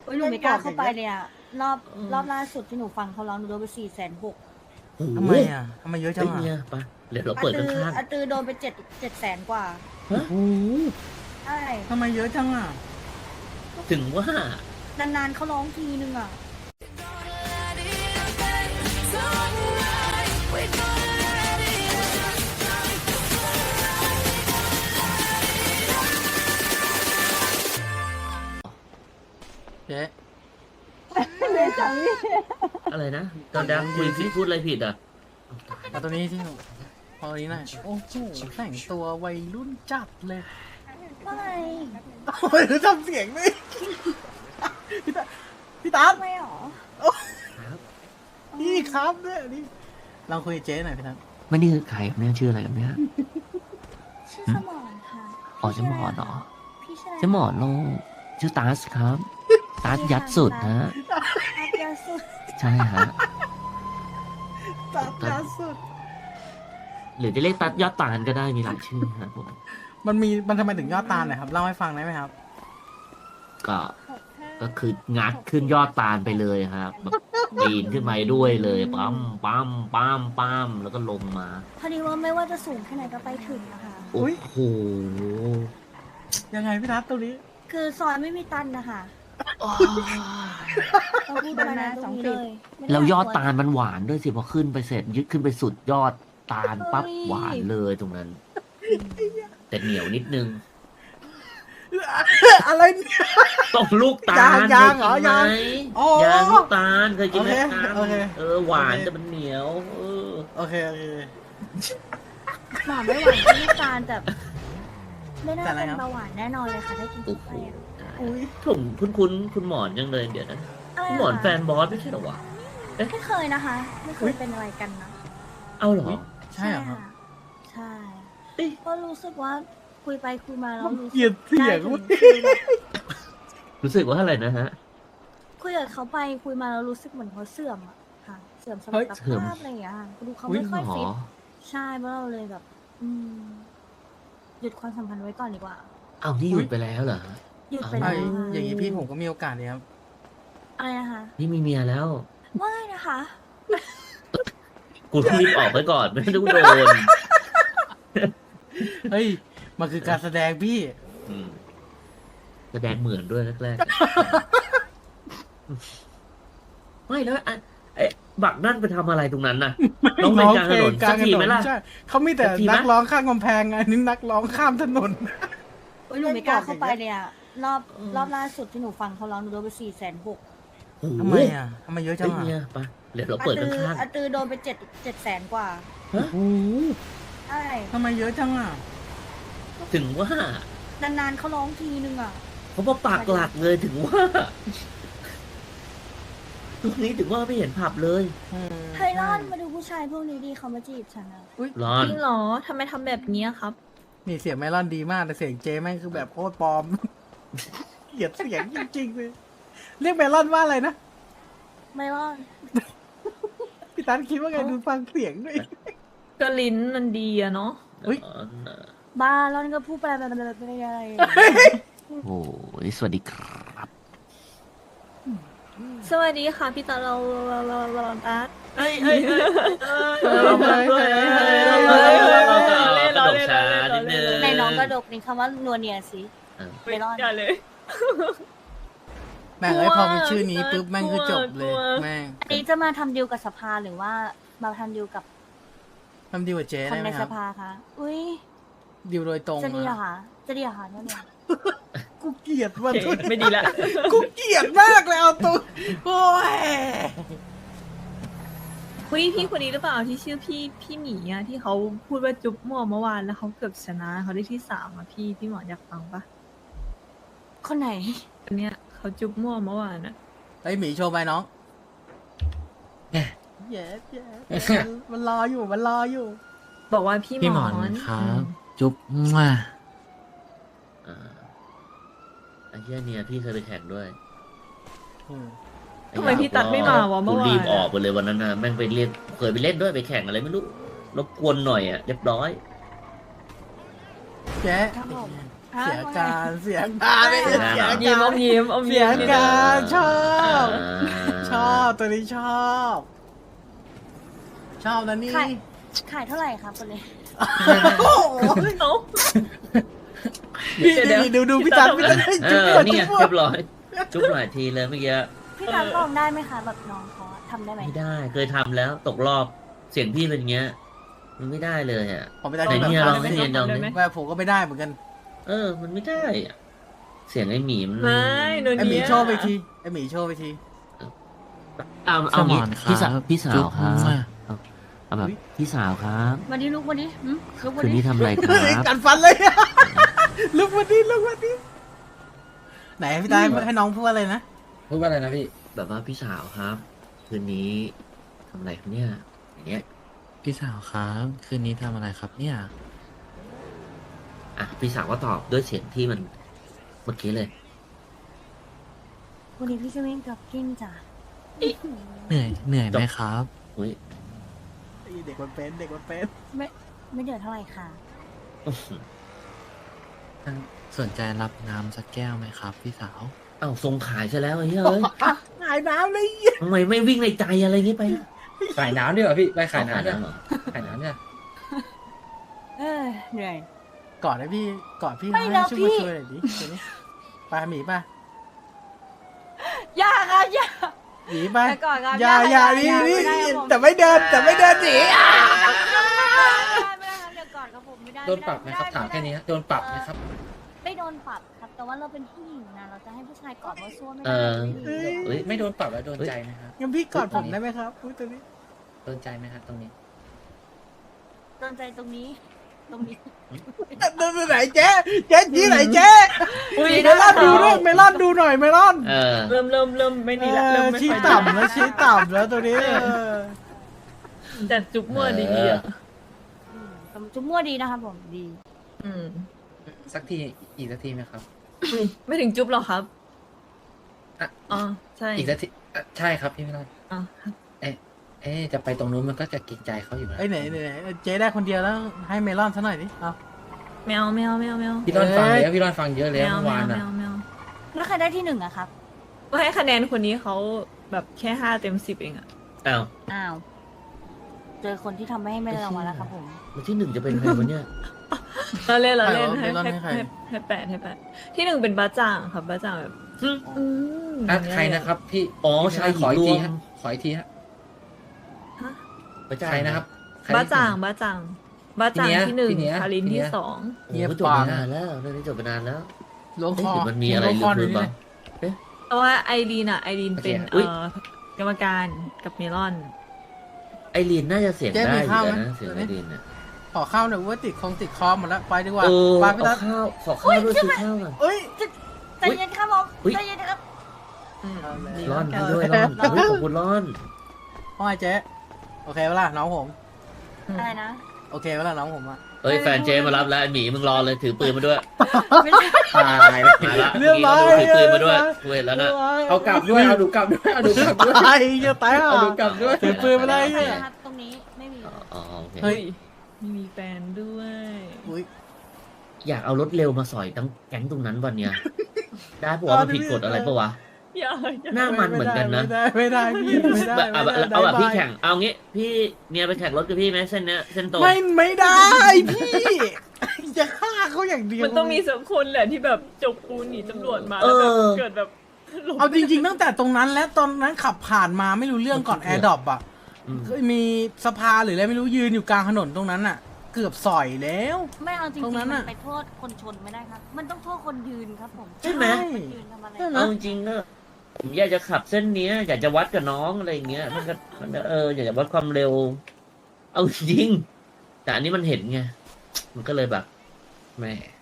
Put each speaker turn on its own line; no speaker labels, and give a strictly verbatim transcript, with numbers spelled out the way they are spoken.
อ้ยหนูไม่กล้าเข้าไปเลยอะรอบรอบล่าสุดที่หนูฟังเขาร้องหนูโดนไปสี่แสนหก
ทำไมอ่ะทำไมเยอะจั
เฮ้
ง
ย
อ่ะ
เนี่ยไปเดี๋ยวเรา
อา
เปิด
ตือ
ข้าง
อาตือโดนไปเจ็ดเจ็ดแสนกว่า
ๆฮะ
ใช่
ทำไมเยอะจังอ่ะ
ถึงว่าน
านๆเขาร้องทีนึงอะ
เจ๊
อะไรนะตอนดังคุยผิดพูดอะไรผิดอ่ะ
เอาตัวนี้ที่หนูเอาตัวนี้หน่อยโอ้โหแต่งตัววัยรุ่นจัดเลย
ว่าไง
โอ้ยทำเสียงไม่พี่ตาพี่ตา
ทำไมหรอ
พี่ครับเนี่ยนี่ลองคุยกับเจ๊หน่อยพี่ตา
ไม่นี่คือใครครับเนี่ยชื่ออะไรครับเนี่ย
ชื่อสมอนค่ะ
อ๋อชื่อหมอนเหรอ
พี่ชื่ออะไร
ชื่อหมอนโลกชื่อตาสครับตาสยัดสุดนะ
อาเดียสุด
ใช่ฮะ
ตาตาสุด
หรือจะเรียกตัดยอดตาลก็ได้มีหลายชื่อครับผม
มันมีมันทำไมถึงยอดตาลนะครับเล่าให้ฟังได้ไหมครับ
ก็ก็คืองัดขึ้นยอดตาลไปเลยครับแบบปีนขึ้นไปด้วยเลยปั๊มปั๊มปั๊มปั๊มแล้วก็ลงมา
พอดีว่าไม่ว่าจะสูงแค่ไหนก็ไปถึงนะคะ
โอ้โห
ยังไงพี่ทัศน์ตรงนี้
คือซอยไม่มีตันนะคะเราพูดมานะตรงนี้เลยไม่ได้
แล้วยอด
กว
ตาลมันหวานด้วยสิพอขึ้นไปเสร็จยึดขึ้นไปสุดยอดตาลปั๊บหวานเลยตรงนั้น แต่เหนียวนิดนึง
อะไรเนี่ย
ต้องลูกตาล
ยางเหรอ
เคยกินไหม
ยางอ๋อ
ยางลูกตาลเคยกินไหม
โอเค
ครับ
โอเค
เออหวาน
โอเค
แต่มันเหนียว เออ
โอเคโอเค
หมอไม่หวานที่น้ำตาลแต่ไม่น่า
แต่อะไร
เป็น
ครับ
เบาหวานแน่นอนเลยค่ะถ้ากิน
โอ้
เข้า
โห
ไปอะ
อุ้ย
ผมคุ้นคุ้นๆคุณหมอนยังเลยเดี๋ยวนะ
อะไร
คุณ
อะ
หมอน
คะ
แฟนบอสไม่ใช่เหรอวะ
ไม่เคยนะคะ ไม่เคยเป็นอะไรกันนะ
เอาเหรอ
ใช่เหรอครับ
ใช่
เอ๊ะ
ก็รู้สึกว่าคุยไปคุยมาแล้วรู้
เกลียดเสียง
ได้ถึ
เว้ย
คือแบบ
รู้สึกว่าอะไรนะฮะ
คุยกับเขาไปคุยมาแล้วรู้สึกเหมือนเขาเสื่อมอะค่ะ เสื่อมสมรรถ
เสื่อม
ภาพอะไรอย่างเงี้ยค่ะดูเขา
อุ๊ย
ไม่ค่อย
หรอ
ฟิตใช่เพราะเราเลยแบบ อืม หยุดความสัมพันธ์ไว้ก่อนดีกว่า
เอานี่หยุดไปแล้วเหรอ
หยุดไป
เอา
แล้วค่ะ
อย่างนี้พี่ผมก็มีโอกาสเนี่ยครับ
อะไรนะคะ
นี่มีเมียแล้ว
ว่าไงนะคะ
กูรีบออกไปก่อนไม่ต้องโดน
เฮ้ย มันคือการแสดงพี่
อืมแสดงเหมือนด้วยแรกๆ ไม่แล้วอ่ะไอ้บักนั่นไปทำอะไรตรงนั้นน่ะ น้องไปกลางถนนสักทีไหมล่ะ
ใช่เขามีแต่
สักทีไหม
นักร้องข้างกำแพงไงนี่นักร้องข้ามถนน
โอ้ยหนูไม่กล้าเข้าไปเลยอะรอบ
อืม
รอบล่าสุดที่หนูฟังเขาร้องหนูโดนไปสี่แสนหก
โอ้โห
ทำไมอ่ะทำไมเยอะจั
เฮ้
ง
ย
อ่ะ
เนี่ยไปเดี๋ยวเรา
อา
เปิด
ตือ
ข้าง
อาตือโดนไปเจ็ดเจ็ดแสนกว่า
ๆฮะ
โอ้โห
ใช่
ทำไมเยอะจังอ่ะ
ถึงว่าน
านๆเขาร้องทีนึงอะ
เขามาปากหลักเลยถึงว่าทุกนี้ถึงว่าไม่เห็นผับเลย
ไทรอนมาดูผู้ชายพวกนี้ดีเขามาจีบฉันอะ
ร้อน
จริงเหรอ ทำไมทำแบบนี้ครับ
นี่เสียงเมลอนดีมากแต่เสียงเจแม่งคือแบบโคตรปลอม เกลียดเสียงจริงๆเลย เรียกเมลอนว่าอะไรนะ
ไม่รอด
พี่ตันคิดว่าไงดูฟังเสียงด้วย
ก็ลิ้นมันดีอะเนาะ
อุ๊ย
ร้อนน่ะ
บ้าร้อนก็พูดไปแบบแบบอะไร
โอ้ยสวัสดีครับ
สวัสดีค่ะพี่ตาเราเราเราเราตัด
เฮ้ยเฮ้ยเฮ้ย
เรามาด้วย
กระดกช้านิดนึง
ในน้องกระดกนี่คำว่านัวเนียสิไม่รอด
อย่าเลย
แม่งเอ้ยพอเป็นชื่อนี้ปุ๊บแม่งคือจบเลย
กลัว
แม่ง
อันนี้จะมาทำดีลกับสภาหรือว่ามาทำดีลกับ
ทำดีกว่าเจ
ค
ได้
น
ไหม
ใน
ค
ส
รับ
ภาคะอุ้ย
ดีลโดยตรง
จะดีเหรอ
อะ
คะจะดีเหรอคะเนี่ย
กูเกลียดมัน
โอเคไม่ดีละ
กูเกลียดมากเลยเอาตัวโอ้ย
คุยพี่คนนี้หรือเปล่าที่ชื่อพี่พี่หมีอะที่เขาพูดว่าจุ๊บหมอเมื่อวานแล้วเขาเกือบชนะเขาได้ที่สามอะพี่พี่หมออยากฟังปะ
คนไหน
คนเนี้ยเขาจุ๊บหมอเมื่อวานอะ
ไอยหมีโชว์ไปน้องเย้เย้มันรออยู่มันรออยู่
บอกว่าพี่
พี่
ห
ห
ม
ม
อ
อน
น
ครับ จุ๊บมั่ว
อ่าไอ้เหี้ยเนี่ยพี่เคยไปแข่งด้วย
ทำไมพี่ตัดไม่มาวะเมื่อวาน
กูรีบออกไปเลยวันนั้นนะแม่งไปเล่นเคยไปเล่นด้วยไปแข่งอะไรไม่รู้รบกวนหน่อยอ่ะเรียบร้อย
เจ๊
ครับผมฮะ
เสีย
ว่าไง
การเสียการไม่ได้เสีย
ยิ้ม
กา
อ
ร
มยิ้มอม
เสี
ยิ้
ย
มนิดนึง
การชอบ
อ่า
ชอบตัวนี้ชอบ ชอบนะนี่
ขายขายเท่าไหร่ครับคนนี้
โอ้โห
เอ้า
พี่
เดี๋ยว
นี่ดูดูพี่ตันพี่ตัน
เอ
จุ๊บ
อ
ก่อน
นี่
จุ๊
ไง
บก่อ
เรี
น
ยบร้อย จุ๊บหลายทีเลยเมื่อกี้
พี่ตังลองได้ไหมคะแบบน้องเขาอะทำได้ไหม
ไม่ได้ เคยทำแล้วตกรอบเสียงพี่เป็นอย่างเงี้ย มันไม่ได้เลยอ่ะ
ผมไม่ได้
ไหน
ที่
เนี่ย
แบบ
ลองให้เนียนลองดิ
ว่าผมก็ไม่ได้เหมือนกัน
เออ มันไม่ได้อะเสียงไอ้หมีมัน
ไม่หนู
ไอหมี
เนี้ย
โชว์ไปทีไอหมีโชว์ไปที
เอาเอางี้
สมอนครับ
พี่สาวพี่สาวครั
จุ๊
บบ
มั่ว
เอาเอาแบบพี่สาวครับ
วันนี้ลูกวันนี้หืมลูกวัน
คืน
นี้
นี้ทำอะไรครับ
กันฟันเลย ลุกวันนี้ลุกวันนี้ไหนพี่ตายให้น้องพูดอะไรนะ
พูดว่าอะไรนะพี่
แบบว่าพี่สาวครับ คืนนี้ทำอะไรครับเนี่ยอย่างเงี้ย
พี่สาวครับ คืนนี้ทำอะไรครับเนี่ย
อ่ะพี่สาวก็ตอบด้วยเสียงที่มันเมื่อกี้เลย
วันนี้พี่จะวิ่งกับกิ้งจ้ะ
เหนื่อยเหนื่อยไหมครับ
อุ้ย
เด็กมันเป็นเด็กมันเป็น
ไม่ไม่เดือดเท่าไหร่ค่ะ
สนใจรับน้ำสักแก้วไหมครับ พี่สาว
เอ้าทรงขายซะแล้วไอ้เหี้ยเอ้ย
หายน้ำเลย
ทำไมไม่วิ่งในใจอะไรอย่างงี้ไป
ขายน้ำดีกว่าพี่ ไปขายน้ำเนี่ย
เหรอ
ขายน้ำเนี่ย
เออเหนื่อย
กอดให้พี่กอดพี่
ไม่
ให้
แล้ว
ช่วย
พี่
มาช่วยหน่อยดิเดี๋ยวนี้ไปหมีป่ะ
อย่าครับอย่า
หมีไป
ไปก่อนครับ
อย่าอย่านี่
อย่า
นี่
ไม่ได้ครับผม
แต่ไม่เดินแต่ไม่เดินหนีอ่ะ
ไม่ได้ครับเดี๋ยวก่อนครับผมไม่ได้
โดนปรับไหมครับ ถามแค่นี้ฮะโดนปรับไหมครับ
ไม่โดนปรับครับ แต่ว่าเราเป็นผู้หญิงนะเราจะให้ผู้ชายกอดว่าซ่วมไม่
เอ
ได้
อ
ไม่ดี
เฮ้ย
ไม่โดนปรับแล้วโดนใจไหมครับ
งั้นพี่กอดผมได้ไหมครับพูดตัวนี้
โดนใจไหมครับตรงนี้
โดนใจตรงนี้ ตรงนี้
เดินไปไหนเจ๊เจ๊ยี่ไหนเจ๊
อุ้ย
เมลอนดูด้วยเมลอนดูหน่อยเมลอน
เออ
เริ่มเริ่มเริ่มไม่
เอ
ดีละเริ่ม
อ
ไม่
ชี้
ค่อยดี
ต่ำแล้วชี้ต่ำแล้วตัวนี้เออ
แต่จุ๊บมั่วดีๆอ่ะ
อืมแต่จุ๊บมั่วดีนะครับผมดี
อืม
สักที อีกสักทีไหมครับ
ไม่ถึงจุ๊บหรอกครับ
อ่ะ
อ๋อใช่
อีกสักทีอ่ะใช่ครับพี่ไม่ต้อง
อ๋อครับ
เอ๊ะเอ๊ะจะไปตรงนู้นมันก็จะเกรงใจเขาอยู่แล้ว
ไอ้ยไหนไหนไหนเจ๊ได้คนเดียวแล้วให้เมลอนซะหน่อยดิเอา
แมวแมวแมวแมว
พี่รอนฟัง
เอ้ย
แล้วพี่รอนฟังเยอะ
แม
แล้ว
ว
เมื่อ
แม
วาน
วแม
อ่ะ
วแมว
แล้วใครได้ที่หนึ่งอะครับ
ก็ให้คะแนนคนนี้เขาแบบแค่ห้าเต็มสิบเองอ่ะ
อ้าว
อ้าว เจอคนที่ทำให้ไม่ได้รางวัลแล้วครับผม
แล้วที่หนึ่งจะเป็นใครวะเนี่ย
เราเล่นเราเล่น
ใคร
ให้
วะ
ให้
ให้ใคร
ให้ให้แปดให้แปดที่หนึ่งเป็นบ้าจ่างครับบ้าจ่างแบบอืม
อ่ะใครนะครับ พี่
อ๋อ
พี่
ชายห
ข
ญิ
อง อีก
ร
ที
วม
ฮะขออีกทีฮะ
ฮะ
พระเจ้า
ใครนะครับใคร
บ้า
ที่
จ่าง
หนึ่
บ้าจ่างบ้าจ่าง
พี่เนี้ย
ที่หนึ่ง
พี่เนี้ย
คาริน
พี่เนี้
ที่
ย
สอง
โอ้โหจบไปนานแล้วเรื่องนี้จบไปนานแล้ว
ล้วงค
เอ๊ะ
อ
หรือมันมีอะไร
ล้วงค
ลื
อ
ม
ห
ลื
น่
ม
อย
บ้าง
เพราะว่าไอรีนอ่ะไอรีนเป็น
อุ๊
เอ่
ย
อกรรมการกับเมลอน
ไอรีนน่าจะเสียง
เจ๊
ได้
มี
อยู่
ข้าวไหม
แล้วนะเสียงไอรีนเนี่ย
ขอข้าวหน่อยว่าติดคงติดคอหมดแล้วไปดีกว่า
เออ
ไป
เอา
พี่ตั๊ด
ข้าวขอข้าวด้วยซื้อข้าวก่อน
เอ้ย
ใจเย็นครับผม
อุ๊ย
ใจเย็นนะครับ
อืม
เอาเลย
ดี
ร้อน
แล้ว
ด้วย
กัน
ร้อนเฮ้ยขอบคุณร้อน
ว่าไงเจ๊โอเคเวลาน้องผม
อะไรนะ
โอเคเวลาน้องผมอะ
เอ้ยแฟนเจมารับแล้วไอหมีมึงรอเลยถือปืนมาด้วย
ไม่ใช่
ตายเลย
มาละ
เรียบร้อย
ถือปืนมาด้วยคุยแล้วนะ
เอากลับด้วยเอาดูกลับด้วยเอาดูกลับด้วย
ตายจะตายห่า
เอาดูกลับด้วย
ถือปืนมาได้
ไม่
เนี่ย
นะครับ ตรงนี้ไม่มี
อ๋อโอเค
เฮ้ย
ไม่มีแฟนด้วย
อุ้ย
อยากเอารถเร็วมาสอยทั้งแก๊งตรงนั้นวันเนี้ยได้ปะวะมันผิดกฎอะไรปะวะ
อย่าอย่า
หน้ามันเหมือนกันนะ
ไม่ได้ไม่ได้พี่ไม่ได้
เอาแบบ
ไม่ได้
เอาแบบ
ได้
พี่แข่งเอางี้ พี่เมียไปแข่งรถกับพี่ไหมเส้นเนี้ยเส้นตรง
ไม่ไม่ได้พี่จะฆ่าเขาอย่างเดียว
มันต้องมีสักคนแหละที่แบบจกปูนหนีตำรวจมา
เอ
แล้วแบบ
อ
เกิดแบบหลบ
เอาจริงๆตั้งแต่ตรงนั้นและตอนนั้นขับผ่านมาไม่รู้เรื่องก่อนแอร์ดรอปอ่ะ
อืม
เคยมีสภาหรืออะไรไม่รู้ยืนอยู่กลางถนนตรงนั้นอ่ะ เกือบสอยแล้ว
ไม่เอาจริง
ตรง
ๆ
นั้น
มั
น่ะ
นไปโทษคนชนไม่ได้ครับ มันต้องโทษคนยืนครับผม
ใช่ไหม
คนยืนทำอะไร
ใช่ไหม
เอาจริงๆก็ผมอยากจะขับเส้นเนี้ย อยากจะวัดกับน้องอะไรอย่างเงี้ยมันก็มันก็เอออยากจะวัดความเร็ว เอาจริงแต่อันนี้มันเห็นไงมันก็เลยแบบแหม่